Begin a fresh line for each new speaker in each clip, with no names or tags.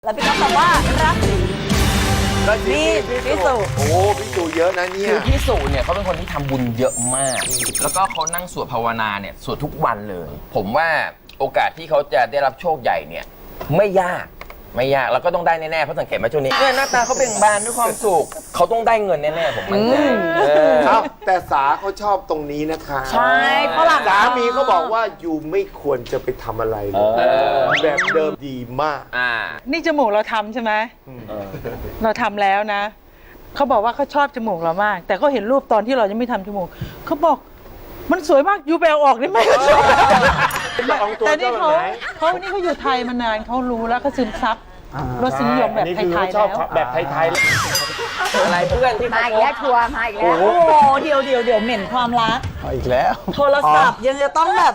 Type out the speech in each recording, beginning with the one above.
แล้วพี่ก็ตอบว่าราศีพิสุ
โอ้พิสุเยอะนะเนี่ย
คือพี่สุเนี่ยเขาเป็นคนที่ทำบุญเยอะมาก แล้วก็เขานั่งสวดภาวนาเนี่ยสวดทุกวันเลย ผมว่าโอกาสที่เขาจะได้รับโชคใหญ่เนี่ยไม่ยากแล้วก็ต้องได้แน่ๆเพราะสังเกตไหมช่วงนี้เนี่ยหน้าตาเขาเบ่งบานด้วยความสุขเขาต้องได้เงินแน่ๆผมมั่นใจ
ครับแต่สาเขาชอบตรงนี้นะคะ
ใช่ฝรั่ง
สามีเขาบอกว่าอยู่ไม่ควรจะไปทำอะไรเลยแบบเดิมดีมาก
นี่จมูกเราทำใช่ไหมเราทำแล้วนะเขาบอกว่าเขาชอบจมูกเรามาก แต่เขาเห็นรูปตอนที่เรายังไม่ทำจมูกเขาบอกมันสวยมากยูไปเอาออกได้ไหมแต่นี่เขาอยู่ไทยมานานเขารู้แล้วเขาซึมซับรสนิยมแบบไทยๆแล้ว
แบบไทยๆ
อะไรเพื่อนที่
มาอีกแล้วทัวร์มาอีกแล้วโอ้โหเดี๋ยวเหม็นความรัก
อีกแล้ว
โทรศัพท์ยังจะต้องแบบ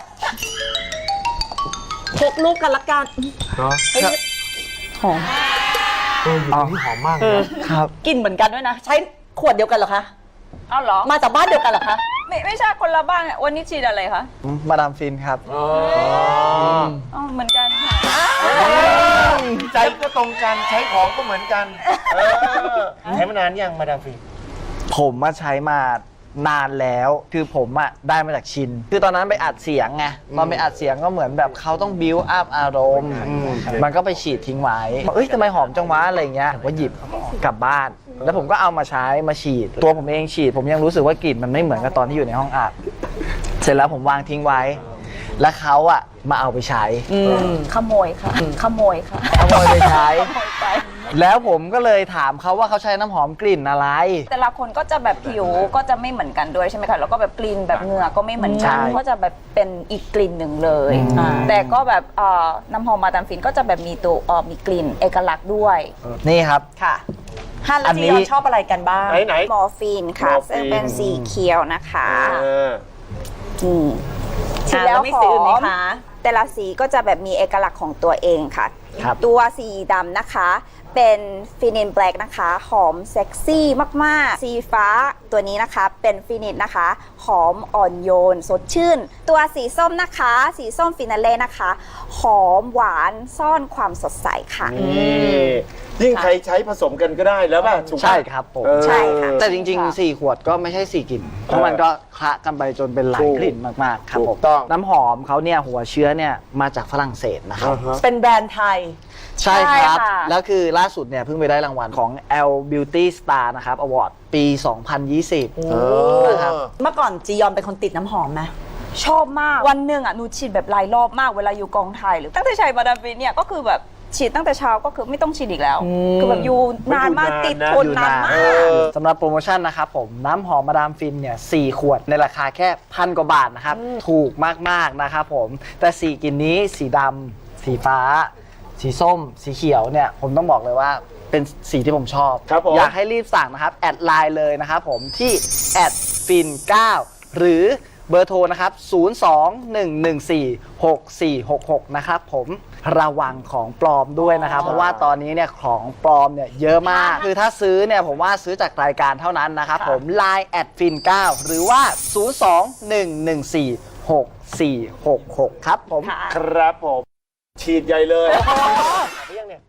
พกลูกกันละกัน
เนาะ
เฮ้ยหอม
หอมมากนะครับ
กลิ่นเหมือนกันด้วยนะ ใช้ขวดเดียวกันเหรอคะ
เอาเหรอ
มาจากบ้านเดียวกันเหรอคะ
ไม่ใช่คนละบ้านอะวันนี้ฉีดอะไรคะ
มาดามฟินครับ
อ๋อเหมือนกันค่ะ
ใจก็ตรงกันใช้ของก็เหมือนกันใช้มานานยังมาดามฟิน
ผมมาใช้มานานแล้ว คือผมอะได้มาจากชิน คือตอนนั้นไปอัดเสียงไงตอนไปอัดเสียงก็เหมือนแบบเขาต้องบิวอัพอารมณ์ มันก็ไปฉีดทิ้งไว้เอ้ยทำไมหอมจังวะอะไรเงี้ยผมก็หยิบกลับบ้าน แล้วผมก็เอามาใช้มาฉีด ตัวผมเองฉีด ผมยังรู้สึกว่ากลิ่นมันไม่เหมือนกับตอนที่อยู่ในห้องอัด เสร็จแล้วผมวางทิ้งไว้ แล้วเขาอะมาเอาไปใช้
ขโมยค่ะ ขโมยค่ะ
ขโมยไปใช้ แล้วผมก็เลยถามเขาว่าเขาใช้น้ำหอมกลิ่นอะไร
แต่ละคนก็จะแบบผิวก็จะไม่เหมือนกันด้วยใช่ไหมคะแล้วก็แบบกลิ่นแบบเหงื่อก็ไม่เหมือนกัน
ใช่
ก็จะแบบเป็นอีกกลิ่นหนึ่งเลยแต่ก็แบบน้ำหอมมาดามฟินก็จะแบบมีตัวมีกลิ่นเอกลักษณ์ด้วย
นี่ครับ
ค่ะฮัน
อั
แล้ว
น
จี
นี้
ยอนชอบอะไรกันบ้าง
ไหน
มอร์ฟีนค่ะ
มอร์ฟีน
ซึ่งเป็นสีเขียวนะคะ
ฉี
ฉี
ด
ด
แล้
แล้ว ว
ไม่
ห
ซื้อ
อ
ไหม
ม
คะ
แต่ละสีก็จะแบบมีเอกลักษณ์ของตัวเองค่ะ
ครับ
ตัวสีดำนะคะเป็นฟินินแบล็กนะคะหอมเซ็กซี่มากๆสีฟ้าตัวนี้นะคะเป็นฟินินนะคะหอมอ่อนโยนสดชื่น ตัวสีส้มนะคะสีส้มฟินาเล่นะคะหอมหวานซ่อนความสดใสค่ะ
ยิ่งใครใช้ผสมกันก็ได้แล้วป่ะถูกปะ
ใช่ครับผม
ใช่ค่ะ
แต่จริงๆ 4 ขวดก็ไม่ใช่ 4 กลิ่น เพราะมันก็คละกันไปจนเป็นหลายกลิ่นมากๆ ครับ
ถู
ผ
ก
ม
ต้อง
น้ำหอมเขาเนี่ยหัวเชื้อเนี่ยมาจากฝรั่งเศสนะครับ
เป็นแบรนด์ไทย
ใช่ครับ
ใช่ค่ะ
แล้วคือล่าสุดเนี่ยเพิ่งไปได้รางวัลของ L Beauty Star นะครับ Award ปี 2020 นะครับ
เมื่อก่อนจียอนเป็นคนติดน้ำหอมไหม
ชอบมากวันหนึ่งอ่ะหนูฉีดแบบหลายรอบมากเวลาอยู่กองถ่ายหรือตั้งแต่ใช้มาดามฟินเนี่ยก็คือแบบฉีดตั้งแต่เช้าก็คือไม่ต้องฉีดอีกแล้ว คือแบบอยู่นานมากติดทนนานมาก
สำหรับโปรโมชั่นนะครับผมน้ำหอมมาดามฟินเนี่ย4ขวดในราคาแค่1,000 กว่าบาทนะครับ ถูกมากๆนะครับผมแต่4กลิ่นนี้สีดำสีฟ้า สีส้ม สีเขียวเนี่ยผมต้องบอกเลยว่าเป็นสีที่ผมชอบ
ครับผม
อยากให้รีบสั่งนะครับ แอดไลน์เลยนะครับผมที่แอดฟิน9หรือเบอร์โทรนะครับ 02-114-6466 นะครับผมระวังของปลอมด้วยนะครับ เพราะว่าตอนนี้เนี่ยของปลอมเนี่ยเยอะมาก คือถ้าซื้อเนี่ยผมว่าซื้อจากรายการเท่านั้นนะครับผม Line แอดฟิน9หรือว่า 02-114-6466 ครับผม
ครับผม ฉีดใหญ่เลยยังเนี่ย